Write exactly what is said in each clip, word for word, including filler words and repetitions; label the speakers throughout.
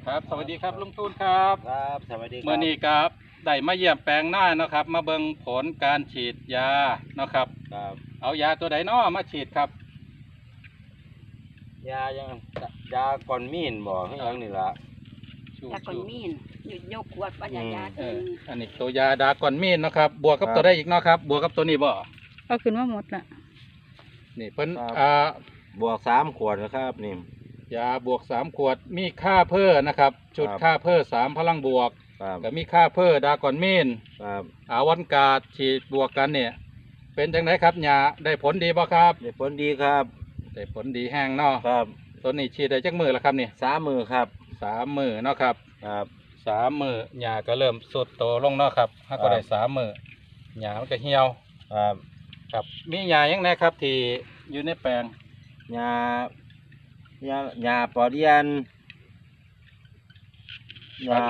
Speaker 1: ครับสวัสดีครับลุงตูนครับ
Speaker 2: ครับสวัสดีครับ
Speaker 1: เมื่อนี้ครับได้มาเยี่ยมแปลงหน้านะครับ มาเบิ่งผลการฉีดยานะครับ
Speaker 2: ครับ
Speaker 1: เอายาตัวใดน้อมาฉีดครับ
Speaker 2: ยายังยาก่อนมีนบอกให้ยังนี่ละ
Speaker 3: ยาก่อนมีนหยุดยกขวดปัญญายา
Speaker 1: เอ
Speaker 3: กิ
Speaker 1: อน อันนี้ตัวยาดากอนมีนนะครับบวกกับตัวได้อีกเนาะครับบวกกับตัวนี้บ่
Speaker 4: เอาขึ้นมาหมดละ
Speaker 1: นี่เพิ่นอ่า
Speaker 2: บวกสามขวดนะครับนี่
Speaker 1: ยาบวกสามขวดมีค่าเพิ่อนะครับจุดค่าเพิ่อสามพลังบวกก็มีค่าเพิ่อดากอนมีนอาวันกาดฉีดบวกกันเนี่ยเป็นจังไดครับยาได้ผลดีบ่ครับ
Speaker 2: ได้ผลดีครับ
Speaker 1: ได้ผลดีแห้งเนาะ
Speaker 2: ครับ
Speaker 1: ตัวนี้ฉีดได้จักมือแล้วครับนี่
Speaker 2: สามมือครับ
Speaker 1: สามมือเนาะครับ
Speaker 2: ครับ
Speaker 1: สามมือหญ้าก็เริ่มสุดโตลงเนาะครับถ้าก็ได้สามมือหญ้ามันก็เหี่ยว
Speaker 2: ครับ
Speaker 1: ครับมีหญ้ายังไงครับที่อยู่ในแปลง
Speaker 2: หญ้าหญ้าหญ้าปอเดียนหญ้า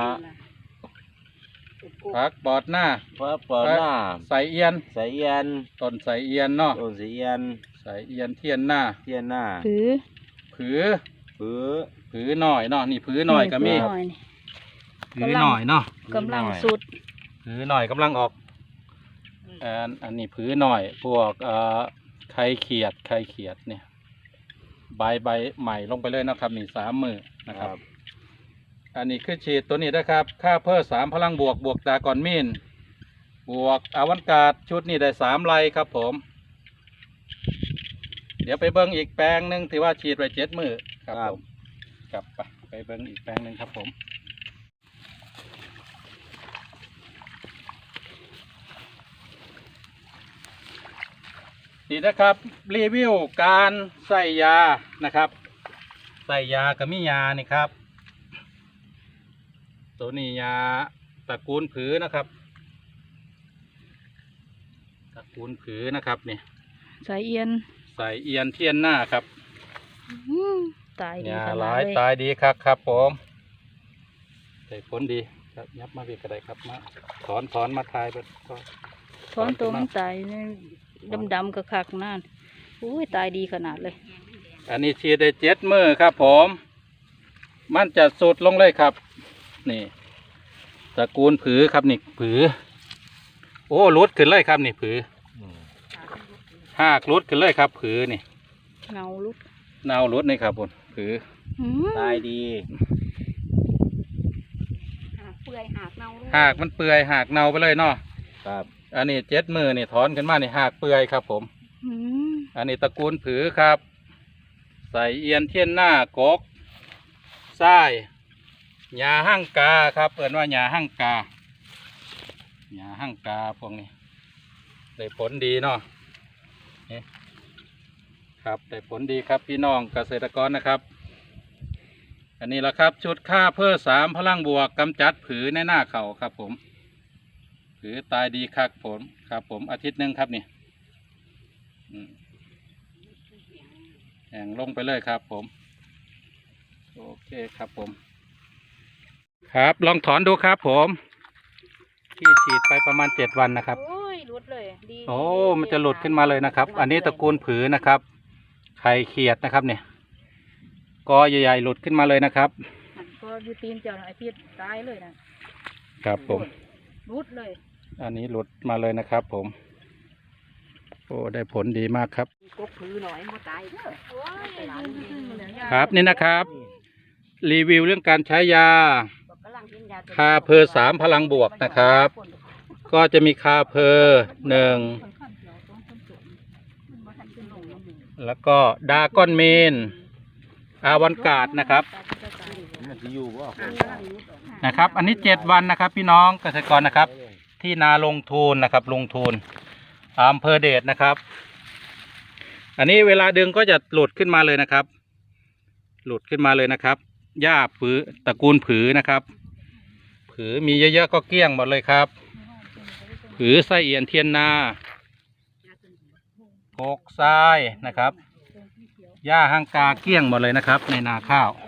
Speaker 1: ผักปอดหน้า
Speaker 2: ผักปอดหน้า
Speaker 1: ใส่เอียน
Speaker 2: ใส่เอียน
Speaker 1: ต้นใส่เอียนเนาะ
Speaker 2: ต้นใส่เอียน
Speaker 1: ใส่เอียนเทียนหน้า
Speaker 2: เทียนหน้า
Speaker 4: ผือ
Speaker 1: ผือ
Speaker 2: ผือ
Speaker 1: ผือหน่อยเนาะนี่ผือหน่อยก็มีผือหน่อยเนาะ
Speaker 4: กำลังสุด
Speaker 1: ผือหน่อยกำลังออกอันอันนี้ผือหน่อยพวกเอ่อไข่เขียดไข่เขียดเนี่ยใบใบใหม่ลงไปเลยนะครับนี่สามมือนะครับอันนี้คือฉีดตัวนี้นะครับค่าเพิ่มสามพลังบวกบวกดากอนมีนบวกอาวันกาดชุดนี้ได้สามไลครับผมเดี๋ยวไปเบิ้งอีกแปลงหนึ่งที่ว่าฉีดไปเจ็ดมือครับผมกลับไปไปเบิ้งอีกแปลงหนึ่งครับผมนี่นะครับรีวิวการใส่ยานะครับใส่ยากับมิยานี่ครับตัวนี้ยาตระกูลผือนะครับตระกูลผือนะครับนี่
Speaker 4: สายเอียน
Speaker 1: ใส่เอียนเทียนหน้าครับ
Speaker 4: ตายดี
Speaker 1: ยาหลายตายดีครับครับผมได้ผลดีครับยับมาเบียกระไดครับมาถอนถอนมาทายไปก็
Speaker 4: ถอนตัวมันตายดำดำกระคักนั่นอุ้ยตายดีขนาดเลย
Speaker 1: อันนี้ฉีดได้เจ็ดมือครับผมมันจะสุดลงเลยครับนี่ตระกูลผือครับนี่ผือโอ้รุดขึ้นเลยครับนี่ผือหากรุดขึ้นเลยครับผือนี่
Speaker 4: เงารุด
Speaker 1: เงารุดนี่ครับผมผือ
Speaker 2: ตายดี
Speaker 3: หากเปื่อยหากเน่า
Speaker 1: หากมันเปื่อยหากเน่าไปเลยเนาะ
Speaker 2: ครับ
Speaker 1: อันนี้เจ็ดมือนี่ถอนขึ้นมานี่หากเปื่อยครับผมอันนี้ตระกูลผือครับใส่เอียนเทียนหน้ากกทรายหญ้าหั่งกาครับเอิ้นว่าหญ้าหั่งกาหญ้าหั่งกาพวกนี้ได้ผลดีเนาะนี่ครับได้ผลดีครับพี่น้องเกษตรกรนะครับอันนี้แหละครับชุดค่าเพิ่มสามพลังบวกกำจัดผือในหน้าเขาครับผมผือตายดีครับผมครับผมอาทิตย์หนึ่งครับนี่แห่งลงไปเลยครับผมโอเคครับผมครับลองถอนดูครับผมที่ฉีดไปประมาณเจ็ดวันนะครับ
Speaker 4: โอ้ยหลุดเลยดี
Speaker 1: โอ้มันจะหลุดขึ้นมาเลยนะครับอันนี้ตระกูลผือนะครับไข่เขียดนะครับเนี่ยกอใหญ่ๆหลุดขึ้นมาเลยนะครับ
Speaker 4: ก็ยูตีนเจ้าหน่อยพี่ตายเลย
Speaker 1: นะครับผม
Speaker 4: หลุดเลย
Speaker 1: อันนี้หลุดมาเลยนะครับผมโอ้ได้ผลดีมากครับ
Speaker 3: กกผือหน่อยมันตายเด้อ
Speaker 1: ครับนี่นะครับรีวิวเรื่องการใช้ยาคาเพอสามพลังบวกนะครับก็จะมีคาเพอหนึ่งแล้วก็ดากอนเมนอาวันกาดนะครับนะครับอันนี้เจ็ดวันนะครับพี่น้องเกษตรกรนะครับที่นาลงทุนนะครับลงทุนอำเภอเดชนะครับอันนี้เวลาดึงก็จะหลุดขึ้นมาเลยนะครับหลุดขึ้นมาเลยนะครับหญ้าผือตระกูลผือนะครับผือมีเยอะๆก็เกลี้ยงหมดเลยครับผือไส้เอียนเทียนนากกทรายนะครับหญ้าหั่งกาเกลี้ยงหมดเลยนะครับในนาข้าว